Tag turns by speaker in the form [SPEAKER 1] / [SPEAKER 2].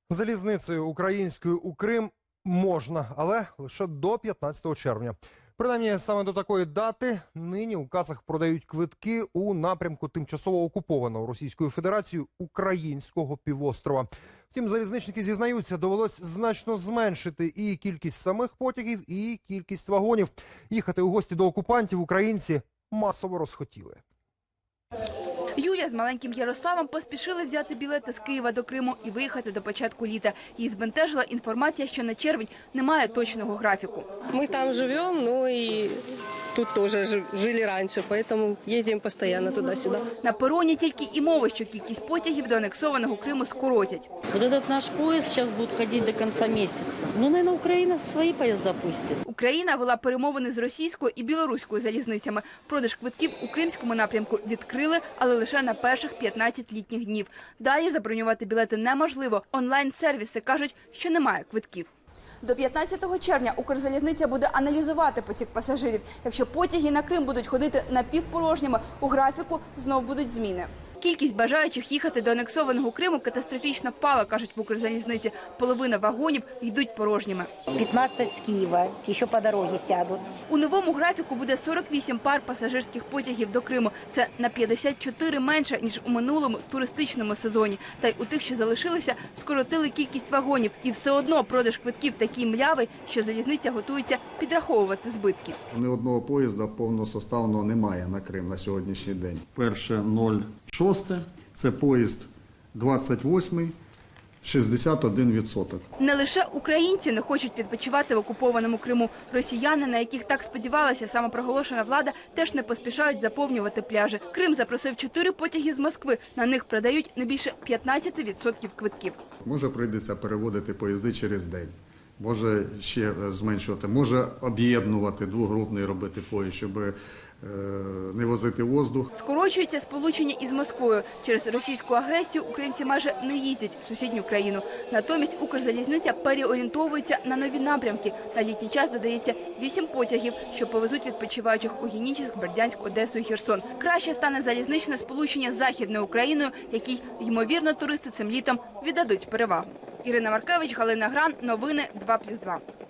[SPEAKER 1] Залізницею українською у Крим можна, але лише до 15 червня. Принаймні, саме до такої дати нині у касах продають квитки у напрямку тимчасово окупованого Російською Федерацією українського півострова. Втім, залізничники зізнаються, довелось значно зменшити і кількість самих потягів, і кількість вагонів. Їхати у гості до окупантів українці масово розхотіли.
[SPEAKER 2] Юля з маленьким Ярославом поспішили взяти білети з Києва до Криму і виїхати до початку літа. Її збентежила інформація, що на червень немає точного графіку.
[SPEAKER 3] Мы там живем, ну и тут тоже жили раньше, поэтому едем постоянно туда-сюда.
[SPEAKER 2] На пероні тільки і мови, що кількість потягів до анексованого Криму скоротять.
[SPEAKER 4] Вот этот наш поезд сейчас будет ходить до конца месяца. Ну, наверное, Украина свои поезда пустит.
[SPEAKER 2] Україна вела перемовини з російською і білоруською залізницями. Продаж квитків у кримському напрямку відкрили, але лише на перших 15 літніх днів. Далі забронювати білети неможливо. Онлайн-сервіси кажуть, що немає квитків. До 15 червня Укрзалізниця буде аналізувати потік пасажирів. Якщо потяги на Крим будуть ходити напівпорожніми, у графіку знов будуть зміни. Кількість бажаючих їхати до анексованого Криму катастрофічно впала, кажуть в Укрзалізниці. Половина вагонів йдуть порожніми.
[SPEAKER 5] 15 с Киева, еще по дороге сядут.
[SPEAKER 2] У новому графіку буде 48 пар пасажирських потягів до Криму. Це на 54 менше, ніж у минулому туристичному сезоні. Та й у тих, що залишилися, скоротили кількість вагонів. І все одно продаж квитків такий млявий, що залізниця готується підраховувати збитки.
[SPEAKER 6] Ні одного поїзда повносоставного немає на Крим на сьогоднішній день. Перше 06 – це поїзд 28-й, 61%.
[SPEAKER 2] Не лише українці не хочуть відпочивати в окупованому Криму. Росіяни, на яких так сподівалася самопроголошена влада, теж не поспішають заповнювати пляжі. Крим запросив 4 потяги з Москви. На них продають не більше 15% квитків.
[SPEAKER 6] Може прийдеться переводити поїзди через день. Може ще зменшувати, може об'єднувати двогрупний робити поїзд, щоб не возити воздух.
[SPEAKER 2] Скорочується сполучення із Москвою. Через російську агресію українці майже не їздять в сусідню країну. Натомість Укрзалізниця переорієнтовується на нові напрямки. На літній час додається 8 потягів, що повезуть відпочиваючих у Генічеськ, Бердянськ, Одесу і Херсон. Краще стане залізничне сполучення з Західною Україною, якій, ймовірно, туристи цим літом віддадуть перевагу. Ірина Маркевич, Галина Гран. Новини 2+2.